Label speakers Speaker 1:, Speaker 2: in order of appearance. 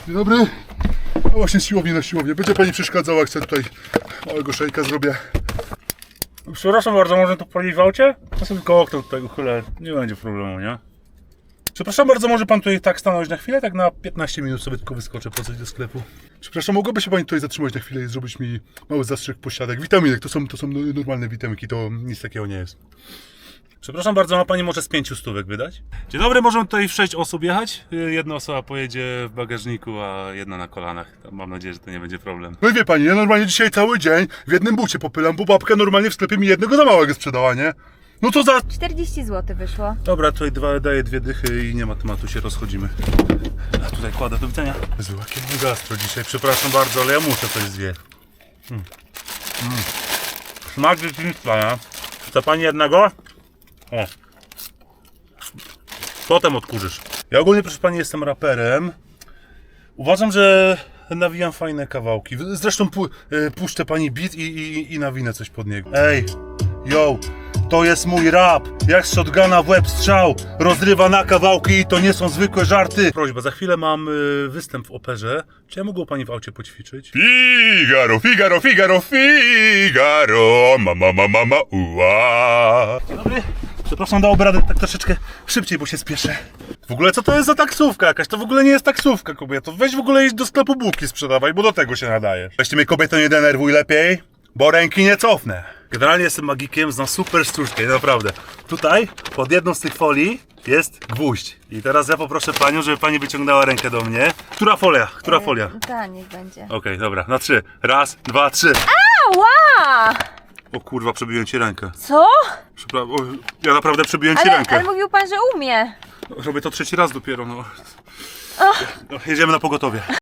Speaker 1: Dzień dobry. A właśnie z siłowni na siłownię. Będzie pani przeszkadzała, jak chcę tutaj małego szejka zrobię.
Speaker 2: Przepraszam bardzo, może to palić w aucie? Ja sobie tylko okno tutaj uchylę, nie będzie problemu, nie? Przepraszam bardzo, może pan tutaj tak stanąć na chwilę? Tak na 15 minut sobie tylko wyskoczę po coś do sklepu. Przepraszam, mogłaby się pani tutaj zatrzymać na chwilę i zrobić mi mały zastrzyk pośladek vitaminek. To są normalne witamiki, to nic takiego nie jest. Przepraszam bardzo, ma pani może z 5 stówek wydać? Dzień dobry, możemy tutaj w 6 osób jechać? Jedna osoba pojedzie w bagażniku, a jedna na kolanach. Mam nadzieję, że to nie będzie problem.
Speaker 1: No i wie pani, ja normalnie dzisiaj cały dzień w jednym bucie popylam, bo babka normalnie w sklepie mi jednego za małego sprzedała, nie? No to za...
Speaker 3: 40 zł wyszło.
Speaker 2: Dobra, tutaj daję 2 dychy i nie ma tematu, się rozchodzimy. A tutaj kładę, do widzenia.
Speaker 1: Jezu, jakie gastro dzisiaj, przepraszam bardzo, ale ja muszę coś zjeść.
Speaker 2: Smak dzieciństwa, nie? Chce pani jednego? O. Potem odkurzysz. Ja ogólnie, proszę pani, jestem raperem. Uważam, że nawijam fajne kawałki. Zresztą puszczę pani beat i nawinę coś pod niego. Ej, yo, to jest mój rap. Jak z shotguna w łeb strzał. Rozrywa na kawałki i to nie są zwykłe żarty. Prośba, za chwilę mam występ w operze. Czy ja mógł pani w aucie poćwiczyć?
Speaker 1: Figaro, Figaro, Figaro, Figaro, mama, ua.
Speaker 2: Dzień dobry. Przepraszam, dałoby radę tak troszeczkę szybciej, bo się spieszę. W ogóle co to jest za taksówka jakaś? To w ogóle nie jest taksówka, kobieto. Weź w ogóle iść do sklepu bułki sprzedawaj, bo do tego się nadajesz. Weźcie mnie, kobieto, nie denerwuj lepiej, bo ręki nie cofnę. Generalnie jestem magikiem, znam super sztuczkę, naprawdę. Tutaj, pod jedną z tych folii jest gwóźdź. I teraz ja poproszę panią, żeby pani wyciągnęła rękę do mnie. Która folia? Która folia?
Speaker 3: Ta, niech będzie.
Speaker 2: Okej, dobra, na 3. Raz, 2, 3.
Speaker 3: Ała!
Speaker 2: O kurwa, przebiłem ci rękę.
Speaker 3: Co?
Speaker 2: Ja naprawdę przebiłem ci rękę.
Speaker 3: Ale mówił pan, że umie.
Speaker 2: Robię to 3. raz dopiero, no. Jedziemy na pogotowie.